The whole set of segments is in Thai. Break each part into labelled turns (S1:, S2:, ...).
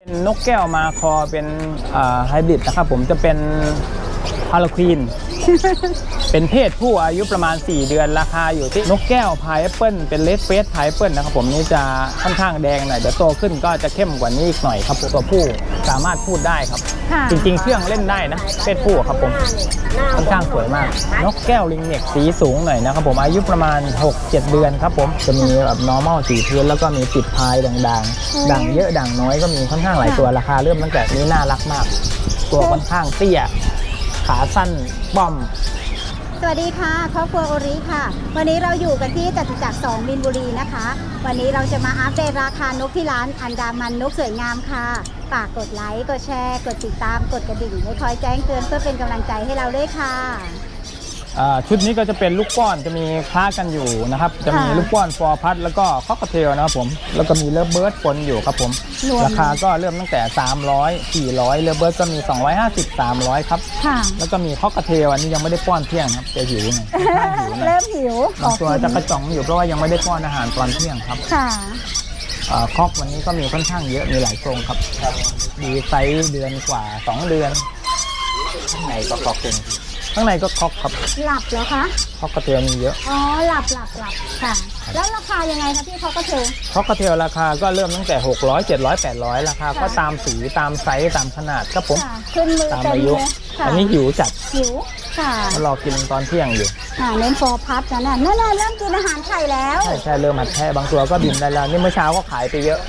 S1: นกแก้วมาคอเป็นไฮบริดนะครับผมจะเป็นฮาโลควีน เป็นเพศผู้อายุประมาณ4เดือนราคาอยู่ที่นกแก้วพายแอปเปิลเป็นเลดเฟสพายแอปเปิลนะครับผมนี่จะค่อนข้างแดงหน่อยเดี๋ยวโตขึ้นก็จะเข้มกว่านี้อีกหน่อยครับตัวผู้สามารถพูดได้ครับจริงๆเครื่องเล่นได้นะเพศผู้ครับผมค่อนข้างสวยมากนกแก้วลิงเน็กสีสูงหน่อยนะครับผมอายุประมาณ 6-7 เดือนครับผมจะมีแบบ normal สีพื้นแล้วก็มีติดพายด่างๆด่างเยอะด่างน้อยก็มีค่อนข้างหลายตัวราคาเริ่มตั้งแต่นี้น่ารักมากตัวค่อนข้างเตี้ยขาสั้นป้อม
S2: สวัสดีค่ะครอบครัวโอริค่ะวันนี้เราอยู่กันที่จตุจักร2 มีนบุรีนะคะวันนี้เราจะมาอัปเดตราคานกที่ร้านอันดามันนกสวยงามค่ะฝากกดไลค์กดแชร์กดติดตามกดกระดิ่งให้คอยแจ้งเตือนเพื่อเป็นกำลังใจให้เราด้วยค่ะ
S1: ชุดนี้ก็จะเป็นลูกป้อนจะมีคล้ากันอยู่นะครับจะมีลูกป้อนฟอร์พัดแล้วก็คอกเทลนะครับผมแล้วก็มีเลิฟเบิร์ดปนอยู่ครับผมราคาก็เริ่มตั้งแต่300 400เลิฟเบิร์ดก็มี250 300ครับแล้วก็มีคอกเทลอันนี้ยังไม่ได้ป้อนเที่ยงครับจะหิวหน่อย
S2: เริ่มหิว
S1: บางตัวจะกระจ่องอยู่เพราะว่ายังไม่ได้ป้อนอาหารตอนเที่ยงครับคอกวันนี้ก็มีค่อนข้างเยอะมีหลายโครงครับดีไซส์เดือนกว่า2 เดือนข้างในก็คอกเป็นข้างในก็คอกครับ
S2: หลับเหรอคะ
S1: คอกกระเทียมมีเยอะ
S2: อ๋อหลับค่ะแล้วราคายังไงคะพี่คอกกระเทียม
S1: คอกกระเทียมราคาก็เริ่มตั้งแต่600 700 800ราคาก็ตามสีตามไซส์ตามขนาดครับผม
S2: ขึ้นมือ
S1: ตามอายุอันนี้หิวจัด
S2: หิวค่ะ
S1: รอกินตอนเที่ยงอยู่
S2: เน้นฟอร์พัดนะนั่นเริ่มกินอาหารไข่แล้ว
S1: ใช่เริ่มหัดแทะบางตัวก็บินได้แล้วนี่เมื่อเช้าก็ขายไปเยอะ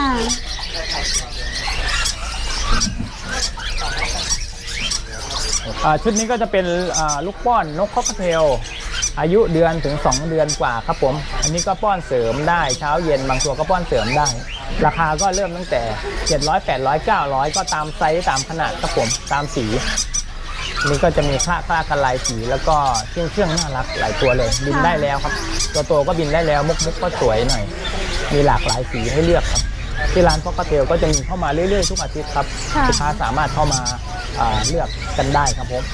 S1: ชุดนี้ก็จะเป็นลูกป้อนนกคอกเทลอายุเดือนถึง2 เดือนกว่าครับผมอันนี้ก็ป้อนเสริมได้เช้าเย็นบางตัวก็ป้อนเสริมได้ราคาก็เริ่มตั้งแต่700 800 900ก็ตามไซส์ตามขนาดครับผมตามสีนี่ก็จะมีคละกันลายสีแล้วก็เครื่องน่ารักหลายตัวเลยบินได้แล้วครับตัวโตก็บินได้แล้วมุกก็สวยหน่อยมีหลากหลายสีให้เลือกครับที่ร้านคอกเทลก็จะมีเข้ามาเรื่อยๆทุกอาทิตย์ครับลูกค้าสามารถเข้ามาเลือกกันได้ครับผม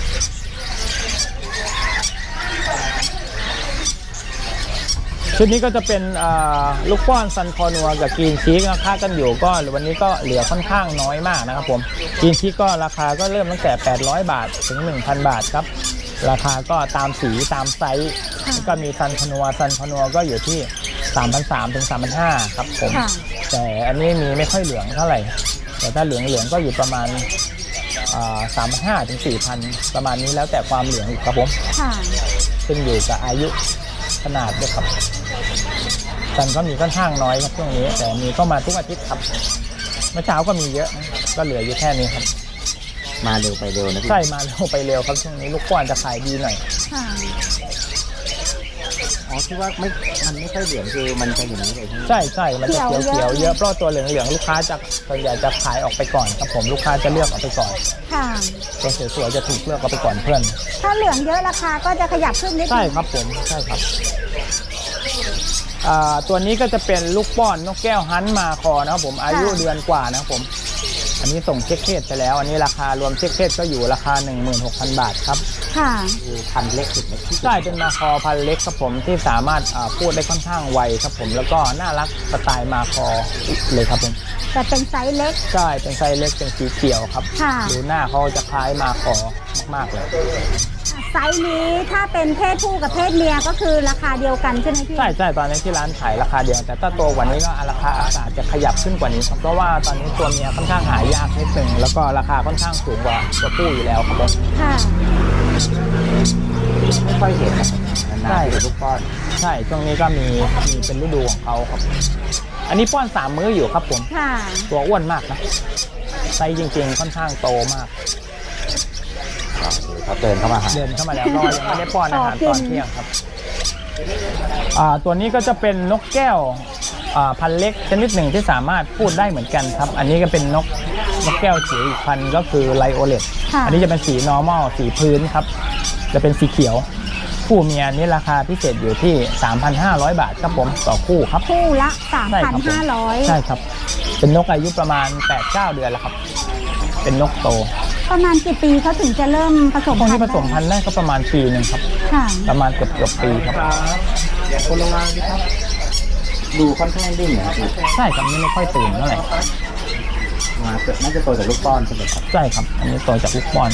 S1: ชุดนี้ก็จะเป็นลูกป้อนซันคอนัวกับกรีนชีกราคากันอยู่ก็วันนี้ก็เหลือค่อนข้างน้อยมากนะครับผมกรีนชีกก็ราคาก็เริ่มตั้งแต่800 บาทถึง 1,000 บาทครับราคาก็ตามสีตามไซส์ก็มีซันคอนัวก็อยู่ที่3,300 ถึง 3,500 ครับผมแต่อันนี้มีไม่ค่อยเหลืองเท่าไหร่แต่ถ้าเหลืองก็อยู่ประมาณ3,500 ถึง 4,000 ประมาณนี้แล้วแต่ความเหลืองอีกครับผมขึ้นอยู่กับอายุขนาดด้วยครับซันก็มีค่อนข้างน้อยครับช่วงนี้แต่มีก็มาทุกอาทิตย์ครับเมื่อเช้าก็มีเยอะก็เหลืออยู่แค่นี้ครับ
S3: มาเร็วไปเร็วนะพี่
S1: ใช่มาเร็วไปเร็วครับช่วงนี้ลูกป้อนจะขายดีหน่อย
S3: อ๋อที่ว่ามันไม่ค่อยเหลืองคือมันจะอย่างนี้เลย
S1: ใช่มันจะเขียวเยอะเพราะตัวเหลืองลูกค้าจะส่วนใหญ่จะขายออกไปก่อนครับผมลูกค้าจะเลือกออกไปก่อนตัวสวยๆจะถูกเลือกออกไปก่อนเพื่อน
S2: ถ้าเหลืองเยอะราคาก็จะขยับขึ้นนิดนึง
S1: ใช่ครับผมใช่ครับตัวนี้ก็จะเป็นลูกป้อนนกแก้วฮันต์มาคอนะครับผมอายุเดือนกว่านะครับผมอันนี้ส่งเช็คเพศไปแล้วอันนี้ราคารวมเช็คเพศก็อยู่ราคา 16,000 บาทครับ
S3: พันเล็กสุด
S1: ใช่เป็นมาคอพันเล็กครับผมที่สามารถพูดได้ค่อนข้างไวครับผมแล้วก็น่ารักสไตล์มาคอเลยครับผม
S2: แต่เป็นไซส์เล็ก
S1: ใช่เป็นไซส์เล็กเป็นสีเขียวครับดูหน้าเขาจะคล้ายมาคอมากๆเลย
S2: ไซส์นี้ถ้าเป็นเพศผู้กับเพศเมียก็คือราคาเดียวกันใช่ไหมพี่
S1: ใช่ตอนนี้ที่ร้านขายราคาเดียวแต่ถ้าโตกว่านี้ก็ราคาอาจจะขยับขึ้นกว่านี้ครับเพราะว่าตอนนี้ตัวเมียค่อนข้างหายากนิดนึงแล้วก็ราคาค่อนข้างสูงกว่าตัวผู้อยู่แล้วครับผม
S3: ไม่ค่อยเห็นใช่ลูกป้อน
S1: ใช่ช่วงนี้ก็มีเป็นฤดูของเขาครับอันนี้ป้อน3 มื้ออยู่ครับผมตัวอ้วนมากนะไซส์จริงๆค่อนข้างโตมาก
S3: เขาเดินเข้ามา
S1: แล้วก็ยังไม่ได้ป้อนอาหารตอนเที่ยงครับตัวนี้ก็จะเป็นนกแก้วพันเล็กชนิดหนึ่งที่สามารถพูดได้เหมือนกันครับอันนี้ก็เป็นนกแก้วจิ๋วอีกพันก็คือไลโอเลตอันนี้จะเป็นสี normal สีพื้นครับจะเป็นสีเขียวคู่เมียนี้ราคาพิเศษอยู่ที่ 3,500 บาทครับผมต่อคู่ครับ
S2: คู่ละ 3,500
S1: ใช่ครับเป็นนกอายุประมาณ 8-9 เดือนแล้วครับเป็นนกโต
S2: ประมาณกี่ปีเขาถึงจะเริ่มผสมพันธุ์
S1: ที่ผสมพันธุ์แรกก็ประมาณปีนึงครับประมาณเกือบปีครับ
S3: คนลงมาดิครับดูค่อนข้างดิ้นนะ
S1: ใช่ครับนี่ไม่ค่อยตื่นเท่าไหร่
S3: มาน่าจะโตจากลูกป้อนใช่ไหมครับ
S1: ใช่ครับอันนี้โตจากลูกป้อน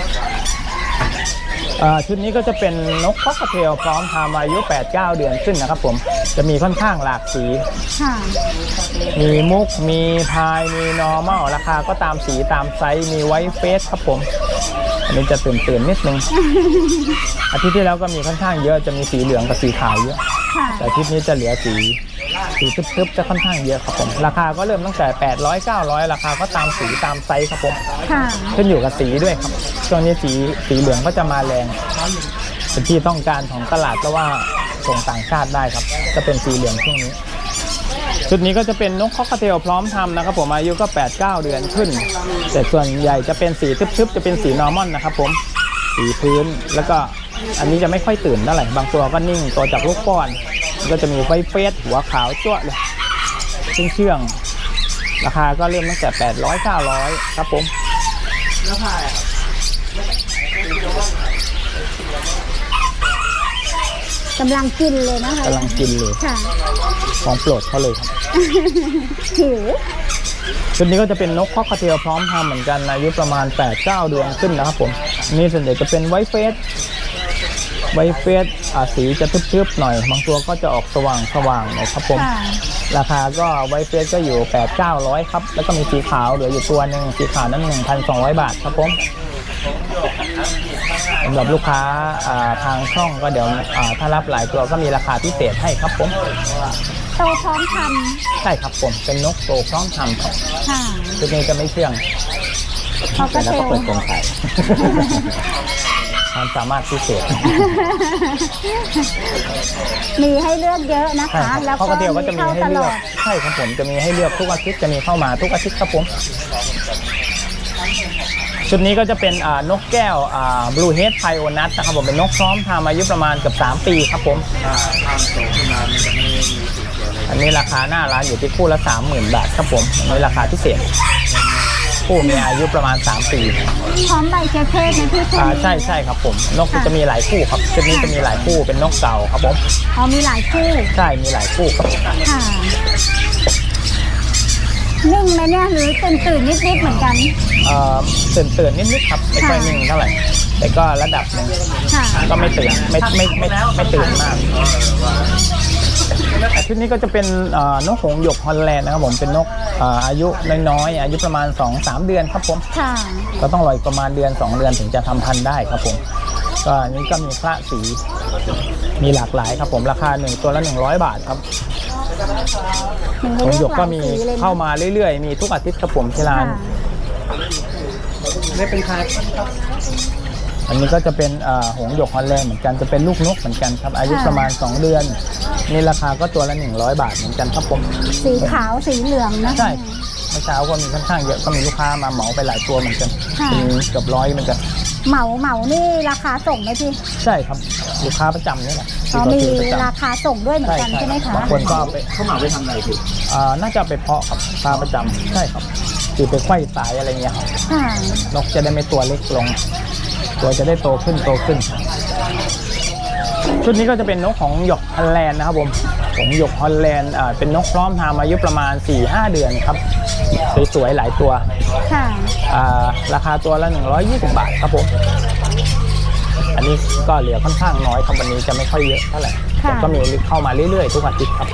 S1: ชุดนี้ก็จะเป็นนกคอกเทลพร้อมทำอายุ 8-9 เดือนขึ้นนะครับผมจะมีค่อนข้างหลากสี
S2: ค่ะ
S1: มีมุกมีพายมีนอร์มัลราคาก็ตามสีตามไซส์มีไวท์เฟสครับผมอันนี้จะตื่นนิดนึง อาทิตย์ที่แล้วก็มีค่อนข้างเยอะจะมีสีเหลืองกับสีขาวเยอะ
S2: ค่ะ
S1: แต่อาทิตย์นี้จะเหลือสีทึบๆจะค่อนข้างเยอะครับผมราคาก็เริ่มตั้งแต่800-900ราคาก็ตามสีตามไซส์ครับผม
S2: ค่ะ
S1: ขึ้นอยู่กับสีด้วยครับช่วงนี้สีเหลืองก็จะมาแรงเป็นที่ต้องการของตลาดเพราะว่าส่งต่างชาติได้ครับจะเป็นสีเหลืองช่วงนี้ชุดนี้ก็จะเป็นนกคอกเทลพร้อมทำนะครับผมอายุก็ 8-9 เดือนขึ้นแต่ส่วนใหญ่จะเป็นสีทึบๆจะเป็นสีนอร์มอนนะครับผมสีพื้นแล้วก็อันนี้จะไม่ค่อยตื่นเท่าไหร่บางตัวก็นิ่งตัวจากลูกป้อนก็จะมีไฟเฟสหัวขาวจ้วะเลยเชื่องราคาก็เริ่มตั้งแต่800-900ครับผม
S2: กำลังกินเลยนะคะ
S1: กำลังกินเลย
S2: ค่ะ
S1: ของโปรดเขาเลยครับ
S2: หิว
S1: ชุดนี้ก็จะเป็นนกคอกเทลพร้อมทำเหมือนกันอายุประมาณ 8-9 เดือนขึ้นนะครับผมนี่ส่วนใหญ่จะเป็นไวท์เฟสสีจะทึบๆหน่อยบางตัวก็จะออกสว่างหน่อยครับผม
S2: ค่ะ
S1: ราคาก็ไวท์เฟสก็อยู่ 8-900 ครับแล้วก็มีสีขาวเหลืออยู่ตัวหนึ่งสีขาวนั้น 1,200 บาทครับผมสำหรับลูกค้าทางช่องก็เดี๋ยวถ้ารับหลายตัวก็มีราคาพิเศษให้ครับผม
S2: โตพร้อมท
S1: ใช่ครับผมเป็นนกโตพร้อมทำครับ
S2: ำค่ะ
S1: ชุดนี้จะไม่เชื่อง
S2: คอก
S3: แล้ว
S2: เท
S3: ก็
S2: ล
S3: เปิดกรงไข่
S1: ความสามารถพิเศษ
S2: มีให้เลือกเยอะนะ
S1: ใช่
S2: คะ
S1: ครับ
S2: แล้ว
S1: ข้าว
S2: ก็
S1: กระเทียมก็จะมีให้
S2: ต
S1: เลื
S2: ล
S1: อ
S2: อก ด
S1: ใช่ครับผมจะมีให้เลือกทุกอาทิตย์จะมีเข้ามาทุกอาทิตย์ครับผมชุดนี้ก็จะเป็นนกแก้วบลูเฮดไพโอนัทนะครับผมเป็นนกพร้อมทำอายุประมาณเกือบ3 ปีครับผมอันนี้ราคาหน้าร้านอยู่ที่คู่ละ 30,000 บาทครับผมอันนี้ราคาพิเศษคู่มีอายุประมาณ3 ปี
S2: พร้อมใบเชฟเทศนะพี่คุณ
S1: ใช่ครับผมนกจะมีหลายคู่ครับชุดนี้จะมีหลายคู่เป็นนกเก่าครับผม
S2: อ๋อมีหลายคู่
S1: ใช่มีหลายคู่ครับ
S2: ค่ะนิ่งไหมเนี่ยหรือตื่นนิดๆเหมือนกัน
S1: ตื่นนิดๆครับไม่ค่อยนิ่งเท่าไหร่แต่ก็ระดับหนึ่ง
S2: ค่ะ
S1: ก็ไม่ตื่นไม่ตื่นมากแต่ชุดนี้ก็จะเป็นนกหงส์หยกฮอลแลนด์นะครับผมเป็นนกอายุน้อยๆอายุประมาณ 2-3 เดือนครับผม
S2: ค่ะ
S1: ก็ต้องรออีกประมาณเดือน 2 เดือนถึงจะทำพันธุ์ได้ครับผมก็อันนี้ก็มีคละสีมีหลากหลายครับผมราคา1ตัวละ100 บาทครับหงส์หยกก็มีเข้ามาเรื่อยๆมีทุกอาทิตย์ครับผมที่ร้าน
S3: ไม่เป็นคา
S1: อันนี้ก็จะเป็นหงส์หยกฮอลแลนด์เหมือนกันจะเป็นลูกนกเหมือนกันครับอายุประมาณ2 เดือนนี่ราคาก็ตัวละ100 บาทเหมือนกันครับผม
S2: สีขาวสีเหลืองนะ
S1: ใช่เมื่อเช้าก็มีค่อนข้างเยอะก็มีลูกค้ามาเหมาไปหลายตัวเหมือนกันมีเกือบ100เหมือนกัน
S2: เหมานี่ราคาส่งไหมพี่
S1: ใช่ครับลูกค้าประจำนี่แหละ
S2: อ๋อมี
S1: ที่เขซื้อประจำ
S2: ราคาส่งด้วยเหมือนกันใช่ไหมคะ
S1: บางคนก็เอาไป
S3: เข้ามาไปทำอะไรพี่
S1: น่าจะเอาไปเพาะครับปลาประจำใช่ครับคือไปไขว้สายอะไรเงี้ยครับ
S2: ค่ะ
S1: นกจะได้ไม่ตัวเล็กลง ตัวจะได้โตขึ้นชุดนี้ก็จะเป็นนกของหยกฮอลแลนด์นะครับผมของหยกฮอลแลนด์เป็นนกพร้อมทำอายุประมาณ 4-5 เดือนครับสวยๆหลายตัว
S2: ค่ะ
S1: ราคาตัวละ120 บาทครับผมอันนี้ก็เหลือค่อนข้างน้อยครับวันนี้จะไม่ค่อยเยอะเท่าไหร่แต่ก็มีเข้ามาเรื่อยๆทุกอาทิตย์ครับ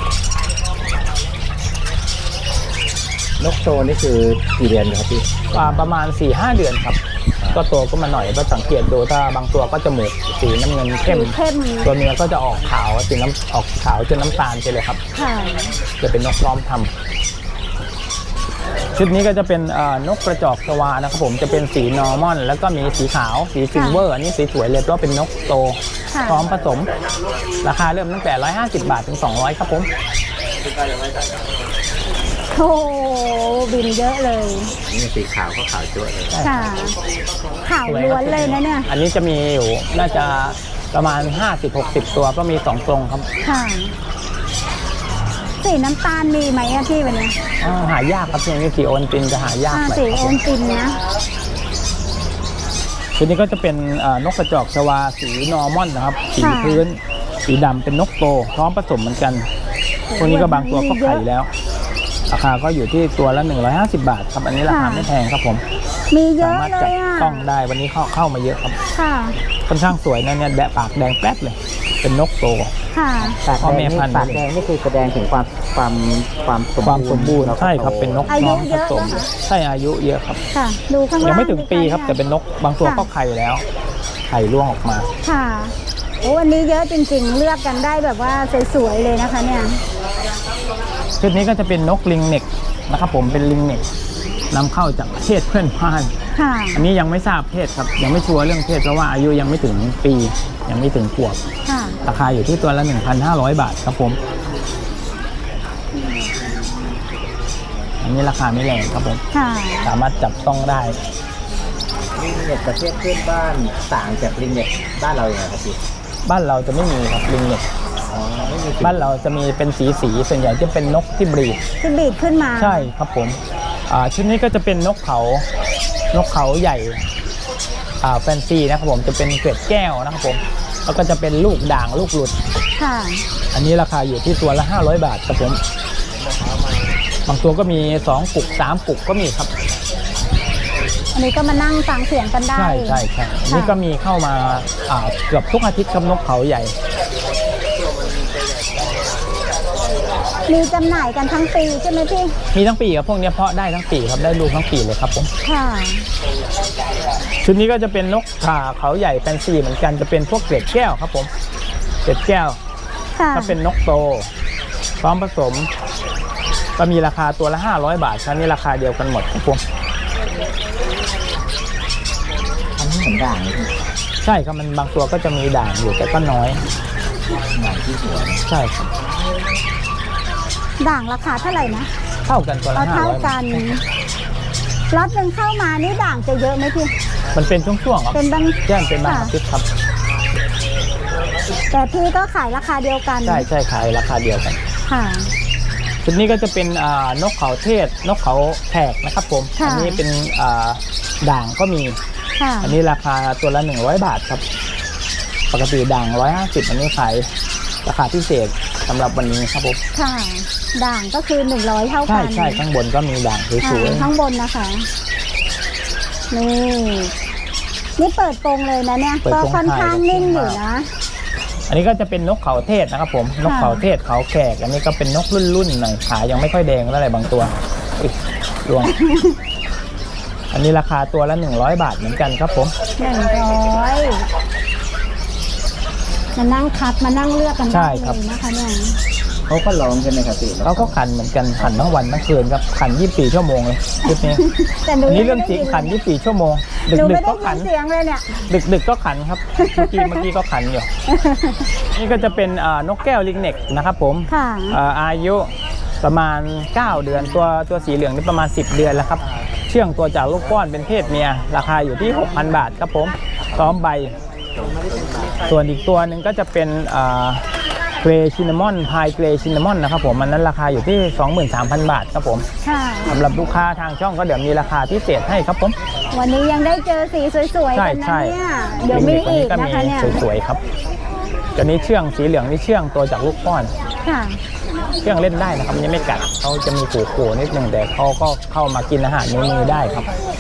S3: นกโตนี่คือกี่เดือนครับพี่
S1: ประมาณ 4-5 เดือนครับก็โตก็มาหน่อยก็สังเกตดูถ้าบางตัวก็จมูกสีน้ำเงินเข้ม
S2: สีเข้ม
S1: ตัวเมียก็จะออกขาวออกขาวจนน้ำตาลไปเลยครับ
S2: ค่ะ
S1: จะเป็นนกพร้อมทำชุดนี้ก็จะเป็นนกกระจอกชวานะครับผมจะเป็นสีนอร์มอนแล้วก็มีสีขาวสีซิลเวอร์อันนี้สีสวยเลยเพราะเป็นนกโต
S2: ค่ะ
S1: พร้อมผสมราคาเริ่มตั้งแต่150 บาทถึง200ครับผม
S2: โอ้บินเยอะเลย
S3: นี่สีขาวก็ขาวจั๊วเลย
S2: ค่ะข่าวล้วนเลยนะเนี่ย
S1: อันนี้จะมีอยู่น่าจะประมาณ 50-60 ตัวก็มี2 กรงครับ
S2: ค่ะ สีน้ำตาลมีไหมอะพี่วันนี้
S1: หายากครับช่วงนี้สีโอนตินจะหายากหน่อย
S2: สี
S1: ครับ
S2: โอนตินนะ
S1: ชุดนี้ก็จะเป็นนกกระจอกชวาสีนอร์มอนนะครับสีพื้นสีดำเป็นนกโตพร้อมผสมเหมือนกันพวกนี้ก็บางตัวก็ไข่แล้วราคาก็อยู่ที่ตัวละ150 บาทครับอันนี้ราคาไม่แพงครับผม
S2: มีเย
S1: สา
S2: อะ
S1: มารถ
S2: เล
S1: จับ
S2: ยอ่ะ
S1: ต้องได้วันนี้เข้ามาเยอะครับ
S2: ค่ะ
S1: ค่อนข้างสวยนะเนี่ยแดะปากแดงแป๊ดเลยเป็นนกโต
S2: ค่ะ
S3: ปาก
S1: พ่อ
S3: แด
S1: แม่
S3: งนี่
S1: พันธุ์
S3: ปากแดงนี่คือแสดงถึงความ
S1: ความสมบูรณ์ใช่ครับเป็นนก
S2: อายุ
S1: น้อง
S2: เย
S1: ผ
S2: อะ
S1: สม
S2: นะคะ
S1: ใช่อายุเยอะครับ
S2: ค่ะ ดูข้างล่าง
S1: ยังไม่ถึงปีครับ
S2: สิะ
S1: แต่เป็นนกบางตัว
S2: ค่ะ
S1: ก็ไข่แล้วไข่ร่วงออกมา
S2: ค่ะโอ้อันนี้เยอะจริงๆ เลือกกันได้แบบว่าสวยๆเลยนะคะเนี่ย
S1: ชุดนี้ก็จะเป็นนกลิงเน็กนะครับผมเป็นลิงเน็กนำเข้าจากประเทศเพื่อนบ้าน
S2: ค่ะ
S1: อันนี้ยังไม่ทราบเพศครับยังไม่ชัวร์เรื่องเพศเพราะว่าอายุยังไม่ถึงปียังไม่ถึงขวบ
S2: ค่ะ
S1: ราคาอยู่ที่ตัวละ 1,500 บาทครับผมอันนี้ราคาไม่แรงครับผม
S2: ค่ะ
S1: สามารถจับต้องได้
S3: ลิงเน็ตประเทศเพื่อนบ้านต่างจากลิงเน็ตบ้านเราอย่างไรครับพี่
S1: บ้านเราจะไม่มีครับลิงเน็ก
S3: อ๋อไม่มี
S1: บ้านเราจะมีเป็นสีส่วนใหญ่จะเป็นนกที่บรีด
S2: ที่บีดขึ้นมา
S1: ใช่ครับผมชุดนี้ก็จะเป็นนกเขาใหญ่แฟนซีนะครับผมจะเป็นเกล็ดแก้วนะครับผมแล้วก็จะเป็นลูกด่างลูกหลุด
S2: ค่ะ
S1: อันนี้ราคาอยู่ที่ตัวละ500 บาทครับผมบางตัวก็มี2กุก3กุกก็มีครับ
S2: อันนี้ก็มานั่งฟังเสียงกันได้
S1: ใช่อันนี้ก็มีเข้ามาเกือบทุกอาทิตย์ครับนกเขาใหญ่
S2: มีจำหน่ายกันทั้งปีใช่ไหมพี่
S1: มีทั้งปีครับพวกนี้เพาะได้ทั้งปีครับได้ลูกทั้งปีเลยครับผม
S2: ค่ะ
S1: ชุดนี้ก็จะเป็นนกเขาใหญ่แฟนซีเหมือนกันจะเป็นพวกเกล็ดแก้วครับผมเกล็ดแก้ว
S2: ค่ะ
S1: ถ้าเป็นนกโตพร้อมผสมก็มีราคาตัวละ500 บาทชั้นนี้ราคาเดียวกันหมดครับผม
S3: อันนี้เหมือนด่างเลยพี่
S1: ใช่ครับมันบางตัวก็จะมีด่างอยู่แต่ก็น้อย
S3: ด่างที่หัวนะ
S1: ใช่ครับ
S2: ด่างราคาเท่าไหร่นะ
S1: เท่ากันตัวละ
S2: เอาเท่า
S1: 500
S2: กั
S1: บาท
S2: นล็อตหนึ่งเข้ามานี่ด่างจะเยอะไหมพี่
S1: มันเป็นช่วงๆครับ
S2: เป็นบาง
S1: แจ้งเป็นบางอาทิตย์ครับ
S2: แต่พี่ก็ขายราคาเดียวกัน
S1: ใช่ขายราคาเดียวกัน
S2: ค่ะ
S1: ชุดนี้ก็จะเป็นนกเขาเทศนกเขาแขกนะครับผม
S2: ค่ะ
S1: อันี้เป็นด่างก็มี
S2: ค่ะ
S1: อันนี้ราคาตัวละ100 บาทครับปกติด่าง150อันนี้ขายราคาพิเศษสำหรับวันนี้ครับผม
S2: ค่ะ ด่างก็คือ100เท่า
S1: ใช่
S2: กัน
S1: ข้างบนก็มีด่างสวย
S2: ข้างบนนะคะ นี่เปิดโปงเลยนะเนี่ย ก็ค่อนข้างนิ่งอยู่นะ
S1: อันนี้ก็จะเป็นนกเขาเทศนะครับผมนกเขาเทศเขาแขกอันนี้ก็เป็นนกรุ่นหน่อยขายังไม่ค่อยแดงเท่าไหร่บางตัวอุ๊ยรวง อันนี้ราคาตัวละ100 บาทเหมือนกันครับผม
S2: 100มานั่งคัดมานั่งเลือกกัน
S1: ใช่
S2: ได้
S1: ครับ
S2: เลยนะคะเนี่ย
S3: เขาก็ร้องใช่ไหมครับพี่
S1: เขาก็ขันเหมือนกันขันทั้งวันทั้งคืนครับขัน24 ชั่วโมงเลยชุดนี้
S2: แต่หนู
S1: อันนี้
S2: ยั
S1: เรื่อง
S2: ไม่
S1: จริง
S2: ได้ยิน
S1: ขัน24 ชั่วโมง
S2: หนู
S1: ดึ
S2: ไม่
S1: กๆ
S2: ได้
S1: ก็ขั
S2: ยิ
S1: น
S2: นเสียงเลยเนี่ย
S1: ดึกๆก็ขันครับเมื่อกี้ก็ขันอยู่ นี่ก็จะเป็นนกแก้วลิงเน็กนะครับผม
S2: ค่ะ
S1: อายุประมาณ 9 เดือนตัวสีเหลืองนี่ประมาณ 10 เดือนแล้วครับเชื่องตัวจากลูกป้อนเป็นเพศเมียราคาอยู่ที่ 6,000 บาทครับผมพร้อมใบ ส่วนอีกตัวหนึ่งก็จะเป็นเกรย์ชินนามอนพายเกรย์ชินนามอนนะครับผมมันนั้นราคาอยู่ที่ 23,000 บาทครับผม
S2: ค่ะ
S1: สำหรับลูกค้าทางช่องก็เดี๋ยวมีราคาพิเศษให้ครับผม
S2: วันนี้ยังได้เจอสีสวยๆกันนะ
S1: ใช่
S2: เนี่ย เดี๋ยวมีอีกนะคะเนี่ย
S1: สวยๆครับตัวนี้เชื่องสีเหลืองนี่เชื่องตัวจากลูกป้อน
S2: ค่ะ
S1: เชื่องเล่นได้นะครับมันยังไม่กัดเขาจะมีขู่ๆนิดนึงแต่เขาก็เข้ามากินอาหารในมือได้ครับ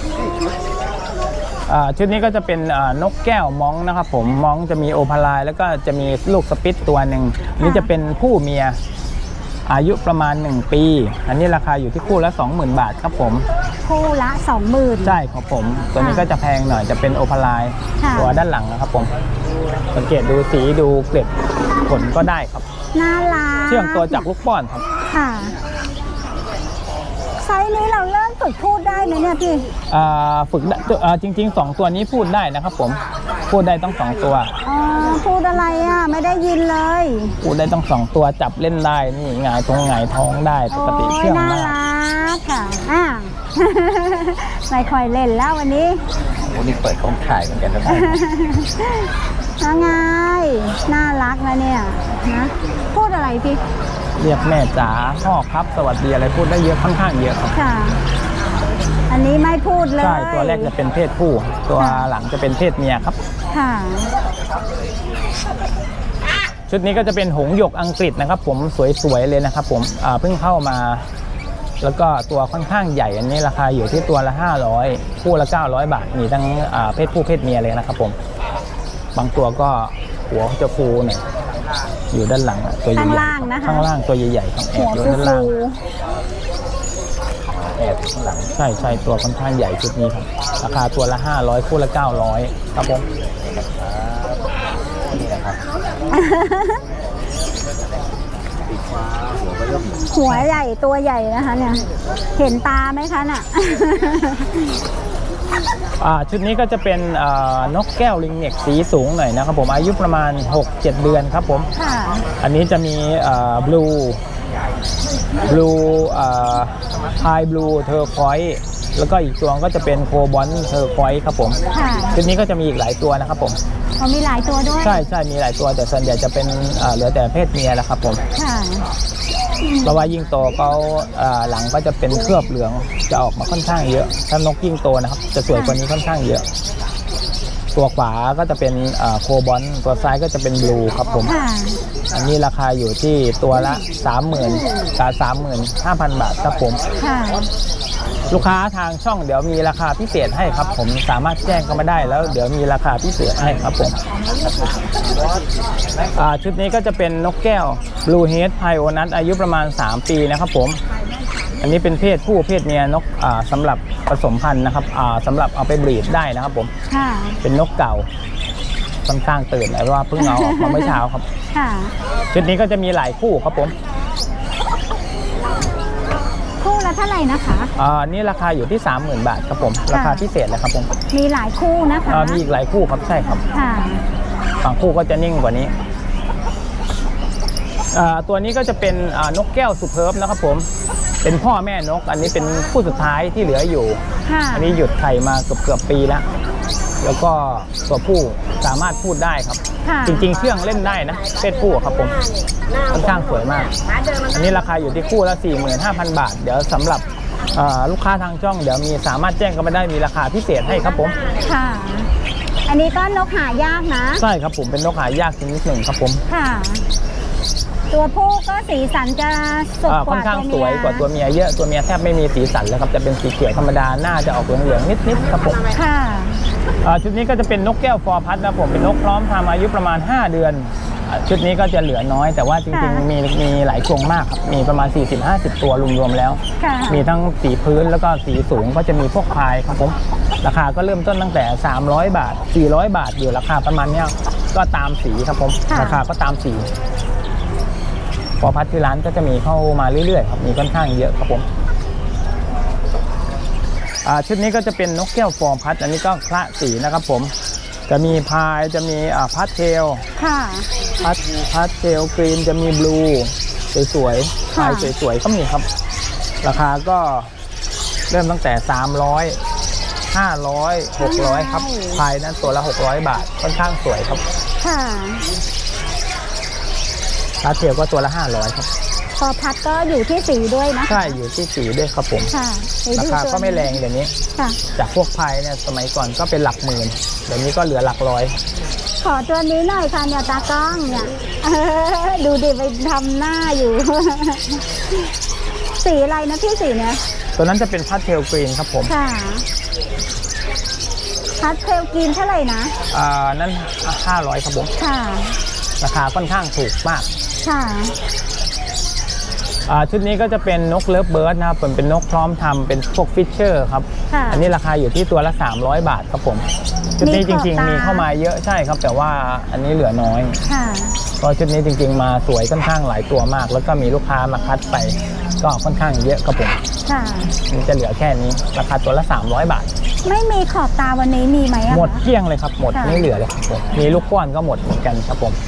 S1: ชุดนี้ก็จะเป็นนกแก้วม้องนะครับผมม้องจะมีโอพาลายแล้วก็จะมีลูกสปิตตัวหนึ่งนี่จะเป็นผู้เมียอายุประมาณ1 ปี อันนี้ราคาอยู่ที่คู่ละ 20,000 บาทครับผม
S2: คู่ละ20,000
S1: ใช่ครับผมตัวนี้ก็จะแพงหน่อยจะเป็นโอพาลาย
S2: ค่ะ
S1: ตัวด้านหลังนะครับผมสังเกตดูสีดูเกล็ดขนก็ได้ครับ
S2: น่ารัก
S1: เชื่องตัวจากลูกป้อนครับ
S2: ค่ะ ไซส์นี้เราเริ่มฝึกพูดได้ไหมเนี่ยพี่
S1: ฝึกได้จริงๆ2 ตัวนี้พูดได้นะครับผมพูดได้ต้อง2 ตัว
S2: อ๋อ พูดอะไรอ่ะ ไม่ได้ยินเลย
S1: พูดได้ต้อง2 ตัวจับเล่นได้นี่หงายท้องได้ป
S2: โอ้
S1: กติ
S2: ย
S1: เชื่อง
S2: น่าม
S1: าก
S2: รักค่ะ ไม่ค่อยเล่นแล้ววันนี้
S3: โอ้นี่เปิดของขายเหมือนกันนะ
S2: ยังไงน่ารักนะเนี่ยนะพูดอะไรพี่
S1: เรียกแม่จ๋าพ่อครับสวัสดีอะไรพูดได้เยอะค่อนข้างเยอะครับ
S2: ค่ะ อันนี้ไม่พูดเลย
S1: ใช่ตัวแรกจะเป็นเพศผู้ตัวหลังจะเป็นเพศเมียครับ
S2: ค่ะ
S1: ชุดนี้ก็จะเป็นหงส์หยกอังกฤษนะครับผมสวยๆเลยนะครับผมเพิ่งเข้ามาแล้วก็ตัวค่อนข้างใหญ่อันนี้ราคาอยู่ที่ตัวละ500คู่ละ900 บาทมีทั้งเพศผู้เพศเมียเลยนะครับผมบางตัวก็หัวเขาจะฟูหน่อยอยู่ด้านหลังตัวใหญ่
S2: ข้างล่างนะคะ
S1: ข้างล่างตัวใหญ่ๆครับแอ
S2: หั
S1: บ
S2: ว
S1: อยู่
S2: ฟู
S1: ด้านล่าง
S3: แอบข้างหลัง
S1: ใช่ตัวค่อนข้างใหญ่ชุดนี้ครับราคาตัวละ500คู่ละ900ครับผม
S3: นี่นะครับปีกฟ้าหัวก็ย่อม
S2: หัวใหญ่ตัวใหญ่นะคะเนี่ย เห็นตาไหมคะน่ะ
S1: ชุดนี้ก็จะเป็นนกแก้วลิงเน็กสีสูงหน่อยนะครับผมอายุประมาณ 6-7 เดือนครับผม
S2: ค่ะ
S1: อันนี้จะมีบลูไฮบลูเทอร์คอยส์แล้วก็อีกตัวก็จะเป็นโคบอลเทอร์คอยส์ครับผม
S2: ค่ะ
S1: ชุดนี้ก็จะมีอีกหลายตัวนะครับผม
S2: เขามีหลายตัวด้วย
S1: ใช่มีหลายตัวแต่ส่วนใหญ่จะเป็นเหลือแต่เพศเมียแล้วครับผม
S2: ค่ะ
S1: เพราะว่ายิ่งโตเขาหลังก็จะเป็นเคลือบเหลืองจะออกมาค่อนข้างเยอะถ้านกยิ่งโตนะครับจะสวยกว่านี้ค่อนข้างเยอะ ตัวขวาก็จะเป็นโคบอลตัวซ้ายก็จะเป็นบลูครับผม
S2: ค่ะ
S1: อันนี้ราคาอยู่ที่ตัวละ 30,000 กับ 35,000 บาทครับผม
S2: ค่ะ
S1: ลูกค้าทางช่องเดี๋ยวมีราคาพิเศษให้ครับผมสามารถแจ้งเข้ามาได้แล้วเดี๋ยวมีราคาพิเศษให้ครับผมชุดนี้ก็จะเป็นนกแก้ว Blue Head Pioneer อายุประมาณ 3 ปีนะครับผมอันนี้เป็นเพศผู้เพศเมียนกสำหรับผสมพันธุ์นะครับสำหรับเอาไปบรีดได้นะครับผม
S2: ค่ะ
S1: เป็นนกเก่าค่อนข้างตื่นเพราะว่าเพิ่งเอาออกมาเมื่อเช้าครับ
S2: ค่ะ
S1: ชุดนี้ก็จะมีหลายคู่ครับผม
S2: คู่ละเท่าไหร่นะคะ
S1: นี่ราคาอยู่ที่ 30,000 บาทครับผมราคาพิเศษเลยครับผม
S2: มีหลายคู่นะคะ
S1: มีอีกหลายคู่ครับใช่ครับ
S2: ค่ะ
S1: บางคู่ก็จะนิ่งกว่านี้ตัวนี้ก็จะเป็นนกแก้วสุเพิร์บนะครับผมเป็นพ่อแม่นกอันนี้เป็นคู่สุดท้ายที่เหลืออยู่
S2: ค่ะ
S1: อันนี้หยุดไข่มาเกือบปีแล้วแล้วก็ตัวผู้สามารถพูดได้ครับ
S2: ค่ะ
S1: จริงๆเชื่องเล่นได้นะเพศผู้ครับผมค่อนข้างสวยมาก อันนี้ราคาอยู่ที่คู่ละ 45,000 บาทเดี๋ยวสำหรับลูกค้าทางช่องเดี๋ยวมีสามารถแจ้งกันมาได้มีราคาพิเศษให้ครับผม
S2: ค่ะ อันนี้ก็นกหายากนะ
S1: ใช่ครับผมเป็นนกหายากชนิดหนึ่งครับผม
S2: ค่ะ ตัวผู้ก็สีสันจะสดก
S1: ค่อ
S2: ว่าน
S1: ข้าง
S2: ตัว
S1: ส
S2: เมี
S1: วย
S2: ย
S1: กว่าตัวเมียเยอะตัวเมียแทบไม่มีสีสันเลยครับจะเป็นสีเขียวธรรมดาหน้าจะออกเหลืองๆนิดๆครับผม
S2: ค่ะ
S1: ชุดนี้ก็จะเป็นนกแก้วฟอร์พัดนะผมเป็นนกพร้อมทำอายุประมาณ 5 เดือนชุดนี้ก็จะเหลือน้อยแต่ว่าจริงๆมีหลายกรงมากครับมีประมาณ 40-50 ตัวรวมๆแล้ว
S2: ค่ะ
S1: มีทั้งสีพื้นแล้วก็สีสูงก็จะมีพวกพายครับผมราคาก็เริ่มต้นตั้งแต่300 บาท400 บาทอยู่ราคาประมาณเนี้ยก็ตามสีครับผมราคาก็ตามสีฟอร์พัดที่ร้านก็จะมีเข้ามาเรื่อยๆครับมีค่อนข้างเยอะครับผมชุดนี้ก็จะเป็นนกแก้วฟอร์พัดอันนี้ก็คละสีนะครับผมจะมีพายจะมีพัดเทล
S2: ค่ะ
S1: พัดเทลกรีนจะมีบลูสวยๆพายสวยๆก็มีครับราคาก็เริ่มตั้งแต่300 500 600ครับพายนั้นตัวละ600 บาทค่อนข้างสวยครับ
S2: ค่ะ
S1: พัดเทลก็ตัวละ500ครับ
S2: พอพัดก็อยู่ที่สีด้วยนะ
S1: ใช่อยู่ที่สีด้วยครับผม
S2: ค่ะ
S1: ราคาก็ไม่แรงเดี๋ยวนี้
S2: ค่ะ
S1: จากพวกพายเนี่ยสมัยก่อนก็เป็นหลักหมื่นเดี๋ยวนี้ก็เหลือหลักร้อย
S2: ขอตัวนี้หน่อยค่ะเนี่ยตากล้องเนี่ยดูดิไปทำหน้าอยู่ สีอะไรนะพี่สีเนี่ย
S1: ตัวนั้นจะเป็นพัดเทลกรีนครับผม
S2: ค่ะพัดเทลกินเท่าไหร่นะ
S1: นั่น500ครับผม
S2: ค่ะ
S1: ราคาค่อนข้างถูกมาก
S2: ค่ะ
S1: ชุดนี้ก็จะเป็นนกเลิฟเบิร์ดนะครับเป็นนกพร้อมทำเป็นพวกฟิชเชอร์ครับ
S2: ค่ะ
S1: อันนี้ราคาอยู่ที่ตัวละ300 บาทครับผมชุดนี้จริงๆมีเข้ามาเยอะใช่ครับแต่ว่าอันนี้เหลือน้อย
S2: ค่ะ
S1: เพราะชุดนี้จริงๆมาสวยค่อนข้างหลายตัวมาก แล้วก็มีลูกค้ามาคัดไปก็ค่อนข้างเยอะครับผม
S2: ค่ะ
S1: มันจะเหลือแค่นี้ราคาตัวละ300 บาท
S2: ไม่มีขอบตาวันนี้มีไหมอะคะ
S1: หมดเกลี้ยงเลยครับหมด
S2: ค่ะ
S1: ไม่เหลือเลยครับผมมีลูกก้อนก็หมดเหมือนกันครับผม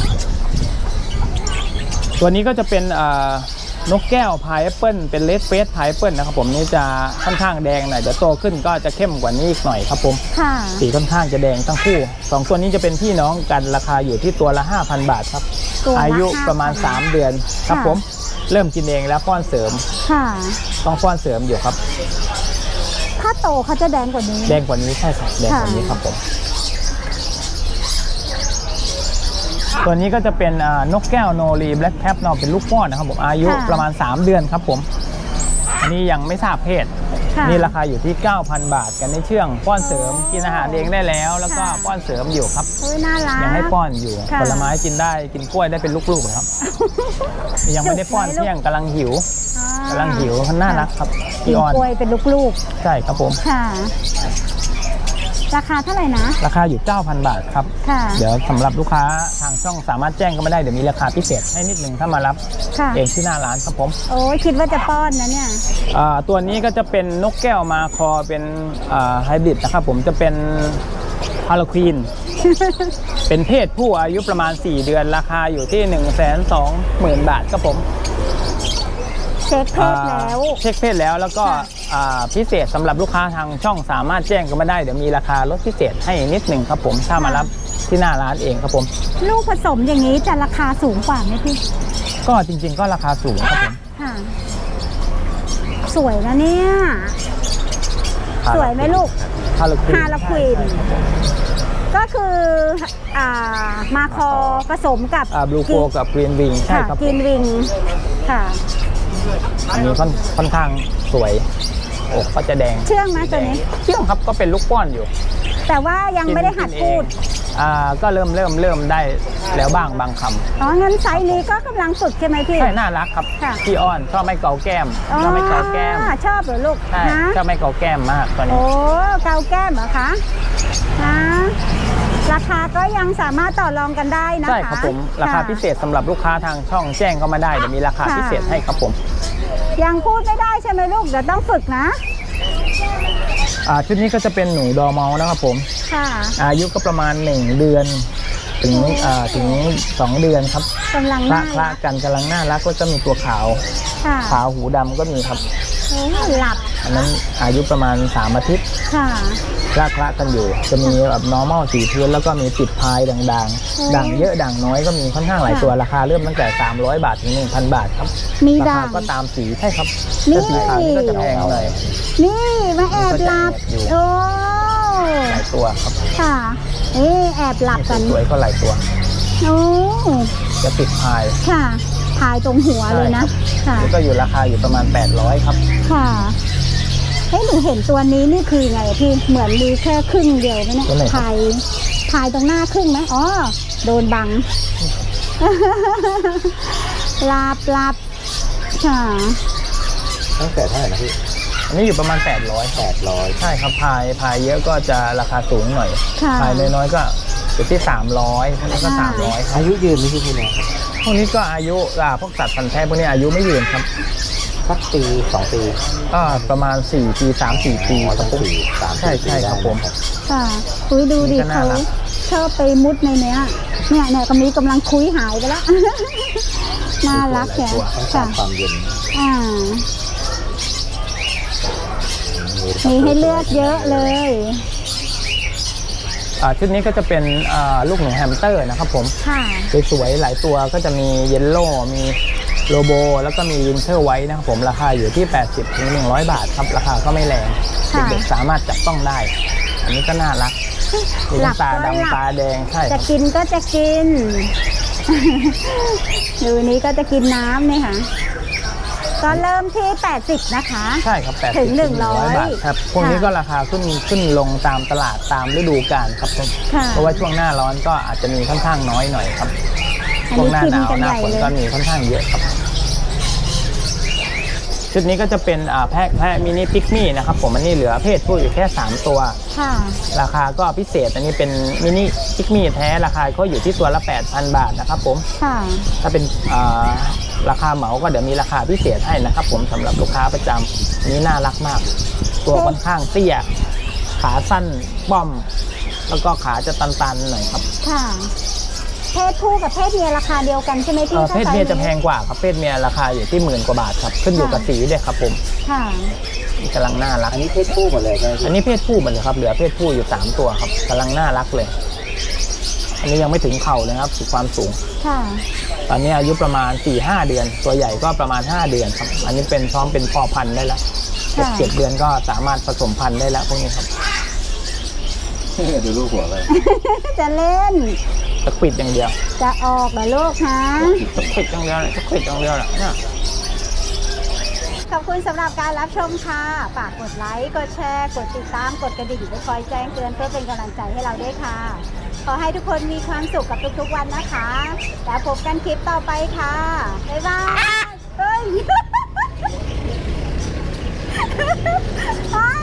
S1: ตัวนี้ก็จะเป็นนกแก้วพายแอปเปิลเป็นเลดเฟสพายแอปเปิลนะครับผมนี่จะค่อนข้างแดงหน่อยเดี๋ยวโตขึ้นก็จะเข้มกว่านี้อีกหน่อยครับผม
S2: ค่ะ
S1: สีค่อนข้างจะแดงทั้งคู่2ตัวนี้จะเป็นพี่น้องกันราคาอยู่ที่ตัวละ 5,000 บาทครับ
S2: ตัวละ
S1: อายุประมาณ 3 เดือนครับ
S2: ค่ะ
S1: ผมเริ่มกินเองแล้วป้อนเสริม
S2: ค่ะ
S1: ต้องป้อนเสริมอยู่ครับ
S2: ถ้าโตเขาจะแดงกว่านี้
S1: แดงกว่านี้ใช่ครับแดงกว่านี้ครับผมตัวนี้ก็จะเป็นนกแก้วโนรีแบล็กแคปเนาะเป็นลูกป้อนนะครับผมอายุประมาณ3 เดือนครับผมอันนี้ยังไม่ทราบเพศ
S2: ค่ะ
S1: นี่ราคาอยู่ที่ 9,000 บาทกันในเชื่องป้อนเสริมกินอาหารเองได้แล้ว แล้วก็
S2: ค่ะ
S1: ป้อนเสริมอยู่ครับ
S2: เฮ้ยน่ารัก
S1: ยังให้ป้อนอยู่
S2: ค่ะ
S1: ผลไม้กินได้กินกล้วยได้เป็นลูกๆเลยครับ ยังไม่ได้ป้อนเที่ยงกำลังหิว
S2: อ่าก
S1: ำลังหิวเขาน่ารักครับ
S2: กิ
S1: พี่
S2: น
S1: ออน
S2: กล้วยเป็นลูก
S1: ใช่ครับผม
S2: ๆค่ะ ราคาเท่าไหร่นะ
S1: ราคาอยู่ 9,000 บาทครับ
S2: ค่ะ
S1: เดี๋ยวสำหรับลูกค้าทางช่องสามารถแจ้งก็ไม่ได้เดี๋ยวมีราคาพิเศษให้นิดหนึ่งถ้ามารับ
S2: ค่ะ
S1: เองที่หน้าร้านครับผม
S2: โอ้ยคิดว่าจะป้อนนะเนี่ย
S1: ตัวนี้ก็จะเป็นนกแก้วมาคอเป็นไฮบริดนะครับผมจะเป็นฮาโลควีน เป็นเพศผู้อายุประมาณ 4 เดือนราคาอยู่ที่ 120,000 บาทครับผม
S2: เช็คเพศแล้ว
S1: เช็คเพศแล้วแล้วก็
S2: ค่ะ
S1: พิเศษสำหรับลูกค้าทางช่องสามารถแจ้งก็มาได้เดี๋ยวมีราคาลดพิเศษให้นิดหนึ่งครับผมถ้ามารับที่หน้าร้านเองครับผม
S2: ลูกผสมอย่างนี้จะราคาสูงกว่าไหมพี่
S1: ก็จริงๆก็ราคาสูงครับผม
S2: ค่ะ สวยนะเนี่ย สวยไหมลูก
S1: ฮาโลควีน
S2: ฮาโลควีน ก็คือมาคอผสมกับบ
S1: ลูโกกับกรีนวิงใช่
S2: ค่ะ
S1: ครับ
S2: กินวิงค่ะ
S1: อันนี้ค่อนข้างสวยอกก็จะแดง
S2: เชื่องไหมตัวนี้
S1: เชื่องครับก็เป็นลูกป้อนอยู่
S2: แต่ว่ายังไม่ได้หัดพูด
S1: ก็เริ่มได้แล้วบ้างบางค
S2: อ๋องั้นไซส์นี้ก็กำลังฝึกใช่ไหมพี่
S1: ำใช่น่ารักครับ
S2: ค่ะ
S1: พี่อ้อนชอบไม่เกาแก้ม
S2: อ๋อ
S1: ชอบไม่เกาแก้ม
S2: ชอบเหรอลูก
S1: ใช่
S2: นะ
S1: ชอบไม่เกาแก้มมากตอนนี้
S2: โอ้เกาแก้มเหรอคะนะราคาก็ยังสามารถต่อรองกันได้นะคะ
S1: ใช่ครับผมราคา
S2: ะ
S1: พิเศษสำหรับลูกค้าทางช่องแจ้งก็มาได้เดี๋ยวมีราคา
S2: ค่ะ
S1: พิเศษให้ครับผม
S2: ยังพูดไม่ได้ใช่ไหมลูกเดี๋ยวต้องฝึกนะ
S1: ชุดนี้ก็จะเป็นหนูดอร์เมาส์นะครับผม
S2: ค่ะ
S1: อายุก็ประมาณ 1 เดือนถึง 2 เดือนครับ
S2: กำลัง
S1: คละ
S2: น่า
S1: คละ
S2: รัก
S1: กันกำลังน่ารักก็จะมีตัวขาว
S2: ค่ะ
S1: ขาวหูดำก็มีครับ
S2: โอ้หลับ
S1: อันนั้นอายุประมาณ 3 อาทิตย์
S2: ค่ะ
S1: คละคละกันอยู่ จะมีแบบ normal สีพื้นแล้วก็มีติดพายด่าง
S2: โอ้
S1: ๆด่างเยอะด่างน้อยก็มีค่อนข้างหลาย
S2: ค่ะ
S1: ตัวราคาเริ่มตั้งแต่ 300 บาทถึง 1,000 บาทครับ
S2: มี
S1: รา
S2: ด่า
S1: คาง ก็ตามสีใช่ครับ
S2: นี่
S1: ถ้าสีขาวนี่ก็จะแพงหน่อย
S2: นี่มาแอบหลับ
S1: อยู่
S2: โอ้
S1: หลายตัวครับ
S2: ค่ะนี่แอบหลับกัน
S1: สวยๆก็หลายตัว
S2: โอ้
S1: จะติดพาย
S2: ค่ะพายตรงหัวเลยนะ ค่ะ
S1: แล้วก็อยู่ราคาอยู่ประมาณ 800 ครับ
S2: ค่ะเฮ้ยหนูเห็นตัวนี้นี่คือไงพี่ เหมือนมีแค่ครึ่งเดียวไหมเนี่ย
S1: ตัวไหนครับ
S2: พายตรงหน้าครึ่งไหมอ๋อ โดนบัง หลับค่ะ
S3: ตั้งแต่เท่าไหร่นะพี่
S1: อันนี้อยู่ประมาณ 800
S3: 800
S1: ใช่ครับพายเยอะก็จะราคาสูงหน่อย
S2: ค่ะ
S1: พายน้อยๆก็อยู่ที่ 300พวกนี้ก็ 300ครับ
S3: อายุยืนไหมพี่พี่เนี่ย
S1: พวกนี้ก็อายุพวกสัตว์พันธุ์แท้พวกนี้อายุไม่ยืนครับ
S3: สักปี 2 ปี
S1: ก็ประมาณ4 ปี 3-4 ปี
S3: ต้อง4 3
S1: ใช่ใช่ครับผม
S2: ค่ะอุ้ยดูดิ
S1: นี่ก็น่า
S2: เขา
S1: รัก
S2: ชอบไปมุดในเนี้ยเนี่ยกำนี้กำลังคุยหายไปแล้ว น่ารักแก
S3: ต้องกา
S2: ค่ะ
S3: รความเย็น
S2: อ่า มีให้เลือกเยอะเลย
S1: ชุดนี้ก็จะเป็นลูกหนูแฮมสเตอร์นะครับผม
S2: ค่ะ
S1: สวยๆหลายตัวก็จะมีเยลโล่มีโลโบแล้วก็มีวินเทอร์ไว้นะครับผมราคาอยู่ที่ 80 ถึง 100 บาทครับราคาก็ไม่แรง
S2: ค่ะ
S1: เด็กๆสามารถจับต้องได้ อันนี้ก็น่ารักมี
S2: หลั
S1: ทั้
S2: บ
S1: งตา
S2: ก็หลับ
S1: ดำตาแดงใช่
S2: จะกินก็จะกิน ดูนี้ก็จะกินน้ำเนี่ยค่ะ ก็เริ่มที่ 80 นะคะ
S1: ใช่ครับ80
S2: ถึง
S1: 100 บาทครับพวกนี้ก็ราคาขึ้นลงตามตลาดตามฤดูกาลครับผม
S2: ค่ะ
S1: เพราะว่าช่วงหน้าร้อนก็อาจจะมีค่อนข้างน้อยหน่อยครับ
S2: อัน
S1: ช่วง
S2: นี้
S1: หน้า
S2: กิน
S1: หนาว
S2: กัน
S1: ห
S2: ให
S1: น้า
S2: ญ่
S1: ฝน
S2: เลย
S1: ก็มีค่อนข้างเยอะครับชุดนี้ก็จะเป็นแพะมินิพิกมี่นะครับผมอันนี้เหลือเพศผู้อยู่แค่ 3 ตัว
S2: ค่ะ
S1: ราคาก็พิเศษอันนี้เป็นมินิพิกมี่แท้ราคาก็อยู่ที่ตัวละ 8,000 บาทนะครับผม
S2: ค่ะ
S1: ถ้าเป็นราคาเหมาก็เดี๋ยวมีราคาพิเศษให้นะครับผมสำหรับลูกค้าประจำนี้น่ารักมาก ตัวค่อนข้างเตี้ยขาสั้นป้อม แล้วก็ขาจะตันๆหน่อยครับ
S2: ค่ะ เพศผู้กับเพศเมียราคาเดียวกันใช่ไหมพี่
S1: เพศเมีย
S2: ถ้าไซส์
S1: จะแพงกว่าครับเพศเมียราคาอยู่ที่10,000 กว่าบาทครับขึ้นอยู่กับสีด้วยครับผม
S2: ค่ะ
S1: กำลังน่ารัก
S3: อันนี้เพศผู้หมดเลยใช่ไหม
S1: อั
S3: พี่
S1: นนี้เพศผู้หมดเลยครับเหลือเพศผู้อยู่3 ตัวครับกำลังน่ารักเลย อันนี้ยังไม่ถึงเข่าเลยครับความสูง
S2: ค่ะ
S1: ตอนนี้อายุประมาณ 4-5 เดือน ตัวใหญ่ก็ประมาณ 5 เดือนครับ อันนี้เป็นพร้อมเป็นพ่อพันธุ์ได้แล้ว
S2: ค่ะ
S1: 6-7 เดือนก็สามารถผสมพันธุ์ได้แล้วพวกนี้ครับ
S3: ดูลูกหัวเลย
S2: จะเล่น
S1: ตะขวิดอย่างเดียว
S2: จะออกเหรอลูกฮะ
S1: ตะขวิดอย่างเดียวเลยตะขวิดอย่างเดียวแหละเนี่ย
S2: ขอบคุณสำหรับการรับชมค่ะฝากกดไลค์กดแชร์กดติดตามกดกระดิ่งไว้คอยแจ้งเตือนเพื่อเป็นกำลังใจให้เราด้วยค่ะขอให้ทุกคนมีความสุขกับทุกๆวันนะคะแล้วพบกันคลิปต่อไปค่ะบ๊ายบายเฮ้ย